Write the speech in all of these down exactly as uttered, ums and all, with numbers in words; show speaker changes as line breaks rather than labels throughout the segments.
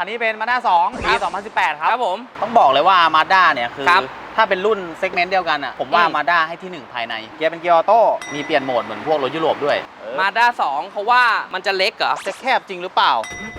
คันนี้เป็น Mazda สอง ปี สองพันสิบแปด ครับ
ครับผม
ต้องบอกเลยว่า Mazda เนี่ยคือถ้าเป็นรุ่นเซกเมนต์เดียวกันอ่ะผมว่า Mazda ให้ที่หนึ่งภายในเกียร์เป็นเกียร์ออโต้มีเปลี่ยนโหมดเหมือนพวกรถยุโรปด้วย
Mazda สองเขาว่ามันจะเล็กเหรอ
จะแคบจริงหรือเปล่า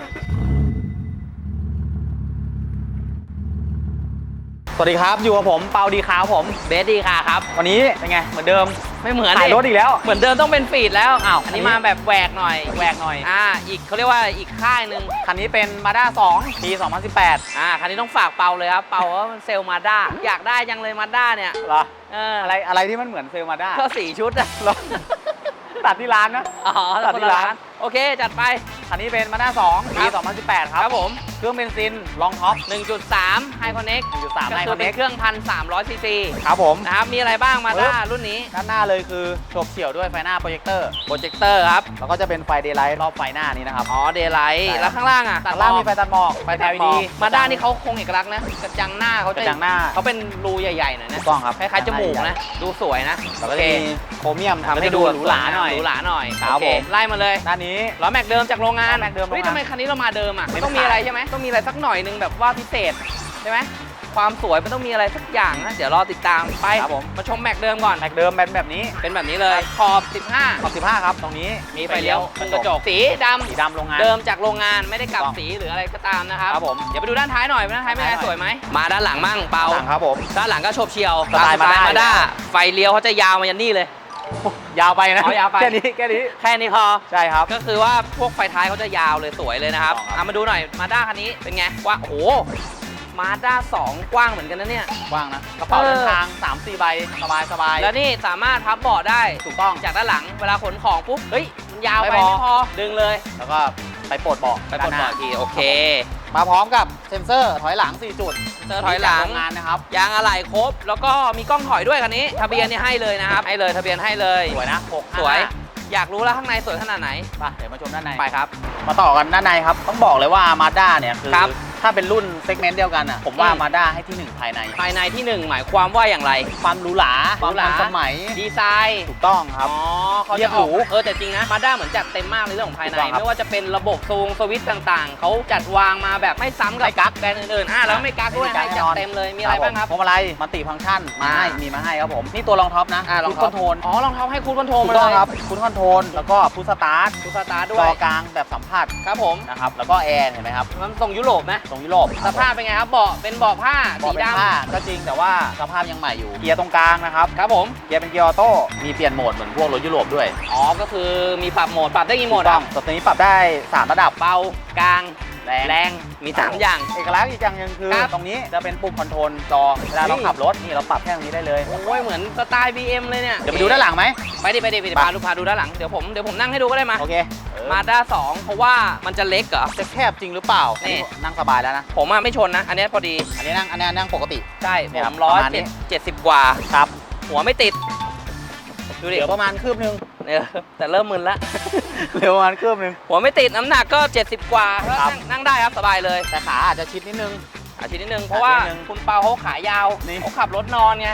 สวัสดีครับอยู่กับผมเปาดีคาผม
เบสดีคาครับ
วันนี้เป็นไงเหมือนเดิม
ไม่เหมือน
ถ่ายรถอีกแล้ว
เหมือนเดิมต้องเป็นฟีดแล้วอ้าวอันนี้มาแบบแหวกหน่อย
แหวกหน่อย
อ่าอีกเขาเรียกว่าอีกค่ายหนึ่ง
คันนี้เป็น Mazda สอง ปี สองพันสิบแปด
อ่าคันนี้ต้องฝากเปาเลยครับเปาว่ามันเซลล์ Mazda อยากได้ยังเลย Mazda เนี่ย
เหรอ
เออ
อะไรอะไรที่มันเหมือนเซลล์ Mazda
ก็สี่ชุดอะ
ตัดที่ร้านนะ
อ๋อตัดที่ร้านโอเคจัดไป
คันนี้เป็น Mazda สอง ปี สองพันสิบแปด ครับ
ครับผม
เครื่องเบนซินลองท็อป
หนึ่งจุดสาม High Connect
หนึ่งจุดสาม
High Connect เป็นเครื่อง หนึ่งพันสามร้อย ซีซี
ครับผม
นะครับมีอะไรบ้าง Mazda รุ่นนี้
ด้านหน้าเลยคือโฉบเฉี่ยวด้วยไฟหน้าโปรเจคเตอร์
โปรเจคเตอร์ครับ
แล้วก็จะเป็นไฟเดย์ไลท์รอบไฟหน้านี้นะครับ
อ๋อเดย์ไลท์แล้วข้างล่างอ่ะ
ข้างล่างมีไฟตัดหมอกไฟ แอล อี ดี
Mazda นี่เขาคงเอกลักษณ์นะกระจังหน้าเขาจะ
กระจังหน้า
เขาเป็นรูใหญ่ๆหน่อยนะ
ถูกต้องครับ
คล้ายๆจมูกนะดูสวยนะ
โอเคโครเมียมทำให้ดูหรูหราหน่อย
หรูหราหน่อย
โอเค
ไล่มาเลย
ด้านนี้
ล้อแม็กเดิมจากโรงงาน
แม็กเดิมโรงงาน
เฮ้ยทำไมคันนี้เรามาเดิมอ่ะมันต้องมีอะไรใช่ไหมต้องมีอะไรสักหน่อยนึงแบบว่าพิเศษใช่ไหมความสวยมันต้องมีอะไรสักอย่างนะเดี๋ยวรอติดตามไป
ครับผม
มาชมแม็กเดิมก่อน
แม็กเดิมเป็นแบบนี้
เป็นแบบนี้เลยขอบสิบห้า
ขอบสิบห้าครับตรงนี้
มีไฟเลี้ยวมุมกระจกสีดำ
สีดำโรงงาน
เดิมจากโรงงานไม่ได้กลับสีหรืออะไรก็ตามนะครับ
ครับผม
เดี๋ยวไปดูด้านท้ายหน่อยด้านท้ายเป็นไงสวยไหมมาด้านหลังมั่งเปา
ครับผม
ด้านหลังก็โฉบเฉี่ยว
สไตล์มา
ด้าไฟเลี้ยวเขาจะยาวมายันนี่เลย
ยาวไปนะ
ยาวไป
แค่นี้แค่นี้
แค่นี้พอ
ใช่ครับ
ก็คือว่าพวกไฟท้ายเขาจะยาวเลยสวยเลยนะครับเอามาดูหน่อยมาด้าคันนี้เป็นไงว่าโอ้โหมาด้าสองกว้างเหมือนกันนะเนี่ย
กว้างนะกระเป๋าเดินทาง สามสี่ ใบสบายสบาย
แล้วนี่สามารถพับเบาะได้
ถูกต้อง
จากด้านหลังเวลาขนของปุ๊บเฮ้ยมันยาวไปไม่พอดึงเลย
แล้วก็ไปปลดเบาะ
ไปปลดเบาะทีโอเค
มาพร้อมกับเซ็นเซอร์ถอยหลังสี่จุด
เซนเซอร์ถอยหลัง
งานนะครับ
ยางอะไหล่ครบแล้วก็มีกล้องถอยด้วยคันนี้ทะเบียนนี่ให้เลยนะครับให้เลยทะเบียนให้เลย
สวยนะหก
สวยอยากรู้แล้วข้างในสวยขนาดไหน
ไปเดี๋ยวมาชมด้านใน
ไปครับ
มาต่อกันด้านในครับต้องบอกเลยว่า Mazda เนี่ยคือถ้าเป็นรุ่นเซกเมนต์เดียวกันอ่ะผมว่า Mazda ให้ที่หนึ่งภายใน
ภายในที่หนึ่งหมายความว่าอย่างไร
ความหรูหราความทันสมัย
ดีไซน์
ถูกต้องครับ
อ๋อเขาจะออกเออแต่จริงนะ Mazda เหมือนจัดเต็มมากในเรื่องของภายในไม่ว่าจะเป็นระบบซูงสวิตช์ต่างๆเขาจัดวางมาแบบไม่ซ้ำกับกั๊กแบรนด์อื่นๆอ่ะแล้วไม่กั๊กด้วยให้จัดเต็มเลยมีอะไรบ้างครับ
พวงมาลัยมัลติฟังก์ชันมาให้มีมาให้ครับผมนี่ตัวรองท็อปนะ
รองคอนโทรลอ๋อรองท็อปให้คูดคอนโทรลมา
เลยครับคูดคอนโทรลแล้วก็พุชสตาร์ท
พุชสตาร์ทด้วย
จอกลางแบบสัมผัส
ครับผม
นะครับแล้วก็แอร์เห็นไหมครับ
มันทรงยุโรปนะ
ทรงยุโรป
สภาพเป็นไงครับเบาะเป็นเบาะผ้าสีด
ำก็จริงแต่ว่าสภาพยังใหม่อยู่เกียร์ตรงกลางนะครับ
ครับผม
เกียร์เป็นเกียร์ออโต้มีเปลี่ยนโหมดเหมือนพวกรถยุโรปด้วย
อ๋อก็คือมีปรับโหมดปรับได้กี่โหมด
ครับตัวนี้ปรับได้สามระดับ
เบากลางแรงแรงมีสามอย่าง
เอกลักษณ์อีกอย่างนึงคือตรงนี้จะเป็นปุ่มคอนโทรลจอเวลาเราขับรถนี่เราปรับแค่ตรงนี้ได้เลย
โอ้ยเหมือนสไตล์ บี เอ็ม เลยเนี่ย
เดี๋ยวไปดูด้านหลังไหม
ไปดิไปดิไปดิพาลูกพาดูด้านหลังเดี๋ยวผมเดี๋ยวผมนั่งให้ดูก็ได้มา
โอเค
มาด้าสองเพราะว่ามันจะเล็กเหรอ
จะแคบจริงหรือเปล่านี่นั่งสบายแล้วนะ
ผมอ่ะไม่ชนนะอันนี้พอดี
อันนี้นั่งอันนี้นั่งปกติ
ใช่ผมร้อยเจ็ดสิบกว่า
ครับ
หัวไม่ติด
ดูดิประมาณคืบนึง
เนี่ยแต่เริ่มมึนละ
เร็วประมาณคืบนึง
หัวไม่ติดน้ำหนักก็เจ็ดสิบกว่านั่งได้ครับสบายเลย
แต่ขาอาจจะชิดนิดนึง
อาชิดนิดนึงเพราะว่าคุณเปาเขาขายาวเขาขับรถนอนไง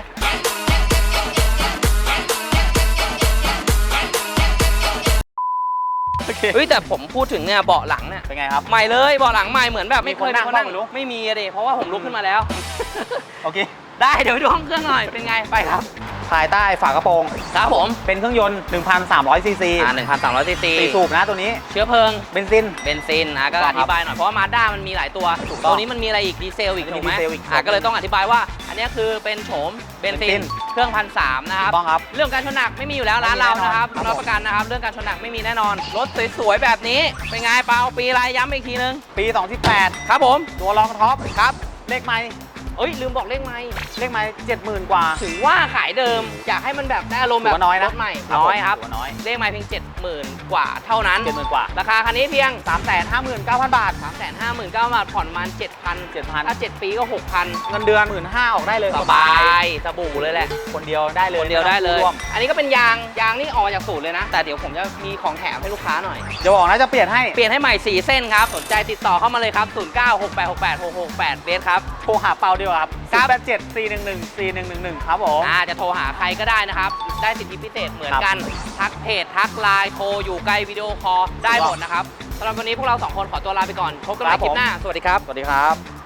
เฮ้ยแต่ผมพูดถึงเนี่ยเบาะหลังเนี่ย
เป็นไงครับ
ใหม่เลยเบาะหลังใหม่เหมือนแบบไม่เคยนั่งไม่มีอะดิเพราะว่าผมลุกขึ้นมาแล้ว
โอเค
ได้เดี๋ยวไปดูห้องเครื่องหน่อยเป็นไงไปครับ
ภายใต้ฝากระโปรง
ครับผม
เป็นเครื่องยนต์ หนึ่งพันสามร้อย ซีซี
อ่าหนึ่งพันสามร้อย ซีซี
สี่สูบนะตัวนี้
เชื้อเพลิง
เบนซิน
เบนซินนะก็อธิบายหน่อยเพราะว่ามาด้ามันมีหลายตัวตัวนี้มันมีอะไรอีกดีเซลอีกถูกไหมอ่าก็เลยต้องอธิบายว่าอันนี้คือเป็นโฉมเบนซินเครื่องพันสามนะครับ
ต้องครับ
เรื่องการชนหนักไม่มีอยู่แล้วร้านเรานะครับรับประกันนะครับเรื่องการชนหนักไม่มีแน่นอนรถสวยๆแบบนี้เป็นไงเปาปีอะไรย้ำอีกทีนึง
ปีสองพันสิบแปด
ครับผม
ตัวรองท็อปครับเลขไมค์
เอ้ยลืมบอกเลขไมค์
เลขไมค์เจ็ดหมื่นกว่า
ถือว่าขายเดิมอยากให้มันแบบได้อารมณ์แบบ
น้อยนะ
รถใหม่น้อยครับ
น้อย
เลขไมค์เพียงเจ็ดหมื่นกว่าเท่านั้น
เจ็ดหมื่นกว่า
ราคาคันนี้เพียง
สามแสนห้าหมื่นเก้าพัน บาท
สามแสนห้าหมื่นเก้าพัน บาทผ่อนประมาณ เจ็ดพัน
เจ็ดพัน
ถ้าเจ็ดปีก็ หกพัน
เงินเดือน หนึ่งหมื่นห้าพัน ออกได้เลย
สบายสบู่เลยแหละ
คนเดียวได้เลย
คนเดียวได้เลยอันนี้ก็เป็นยางยางนี่ออกจากสูตรเลยนะแต่เดี๋ยวผมจะมีของแถมให้ลูกค้าหน่อย
จะบอกนะจะเปลี่ยนให้
เปลี่ยนให้ใหม่สี่เส้นครับสนใจติดต่อเข้ามาเลยครับศูนย์ เก้า หก แปด หก แปด หก หก แปดเบสครับ
โทรหาเปาดีกว่าครับศูนย์ แปด เจ็ด สี่ หนึ่ง หนึ่ง สี่ หนึ่ง หนึ่ง หนึ่งครับผม
อ่าจะโทรหาใครก็ได้นะครับได้สิทธิพิเศษเหมือนกันทักเพจทักไลน์โทรอยู่ใกล้วิดีโอคอลได้หมดนะครับสำหรับวันนี้พวกเราสองคนขอตัวลาไปก่อนพบกันใหม่คลิปหน้าสวัสดีครับ
สวัสดีครับ